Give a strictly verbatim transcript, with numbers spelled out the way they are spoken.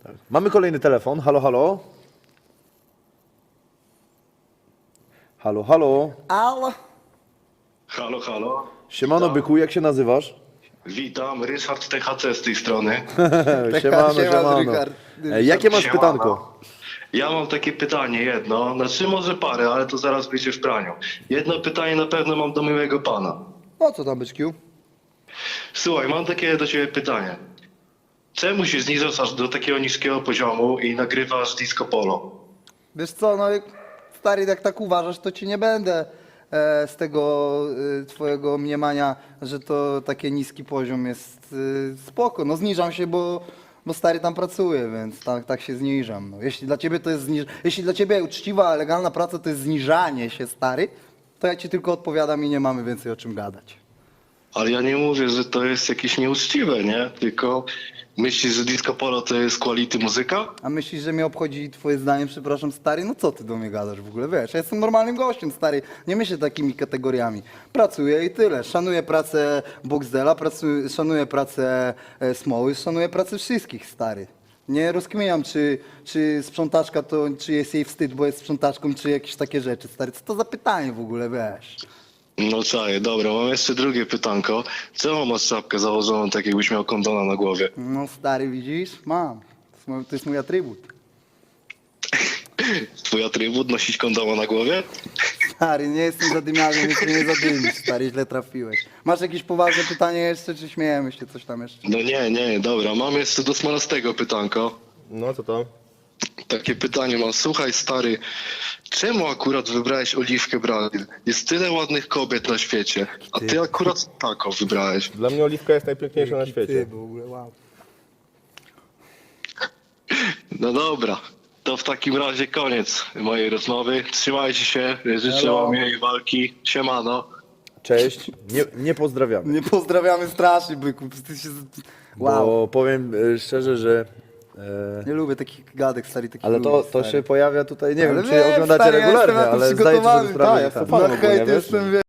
Tak. Mamy kolejny telefon. Halo, halo. Halo, halo. Alo. Halo, halo. Siemano, Witam. byku, jak się nazywasz? Witam, Ryszard T H C z tej strony. Siemano, siema, siemano. Rychard. E, Jakie masz Siemano. pytanko? Ja mam takie pytanie jedno, znaczy może parę, ale to zaraz będzie w praniu. Jedno pytanie na pewno mam do miłego pana. O co tam, byczkiu? Słuchaj, mam takie do ciebie pytanie. Czemu się zniżasz aż do takiego niskiego poziomu i nagrywasz disco polo? Wiesz co, no jak- stary, jak tak uważasz, to ci nie będę e, z tego e, twojego mniemania, że to taki niski poziom jest e, spoko. No zniżam się, bo, bo stary tam pracuje, więc tak, tak się zniżam. No, jeśli dla ciebie to jest zniż... jeśli dla ciebie uczciwa, legalna praca to jest zniżanie się, stary, to ja ci tylko odpowiadam i nie mamy więcej o czym gadać. Ale ja nie mówię, że to jest jakieś nieuczciwe, nie? Tylko myślisz, że disco polo to jest quality muzyka? A myślisz, że mnie obchodzi twoje zdanie, przepraszam, stary? No co ty do mnie gadasz w ogóle, wiesz? Ja jestem normalnym gościem, stary. Nie myślę takimi kategoriami. Pracuję i tyle. Szanuję pracę Boxdela, pracuję, szanuję pracę e, Smoły, szanuję pracę wszystkich, stary. Nie rozkminiam, czy, czy sprzątaczka to, czy jest jej wstyd, bo jest sprzątaczką, czy jakieś takie rzeczy, stary. Co to za pytanie w ogóle, wiesz? No czaję, dobra, mam jeszcze drugie pytanko. Czemu masz czapkę założoną tak jakbyś miał kondona na głowie? No stary, widzisz? Mam. To jest mój, to jest mój atrybut. Twój atrybut nosić kondoma na głowie? Stary, nie jestem zadymiarzem, więc mnie nie zadymisz, stary, źle trafiłeś. Masz jakieś poważne pytanie jeszcze, czy śmiejemy się coś tam jeszcze? No nie, nie, dobra, mam jeszcze do smalastego pytanko. No, co to? Takie pytanie mam. Słuchaj stary, czemu akurat wybrałeś Oliwkę Brazil? Jest tyle ładnych kobiet na świecie, a ty akurat taką wybrałeś. Dla mnie Oliwka jest najpiękniejsza na Ty świecie. w ogóle, wow. No dobra, to w takim razie koniec mojej rozmowy. Trzymajcie się, życzę Hello. wam miłej walki. Siemano. Cześć. Nie, nie pozdrawiamy. Nie pozdrawiamy strasznie, byku. Ty się... Wow. Bo powiem e, szczerze, że... E, Nie lubię takich gadek, stary, takich ale to, ludzi, to stary. się pojawia tutaj, nie Ale wiem, czy wiem, oglądacie stary, ja regularnie, jestem na to ale zdaję sobie przygotowany. sprawę, Tak, że ja jestem jestem fanem na hejt, ogólnie, wiesz? jestem,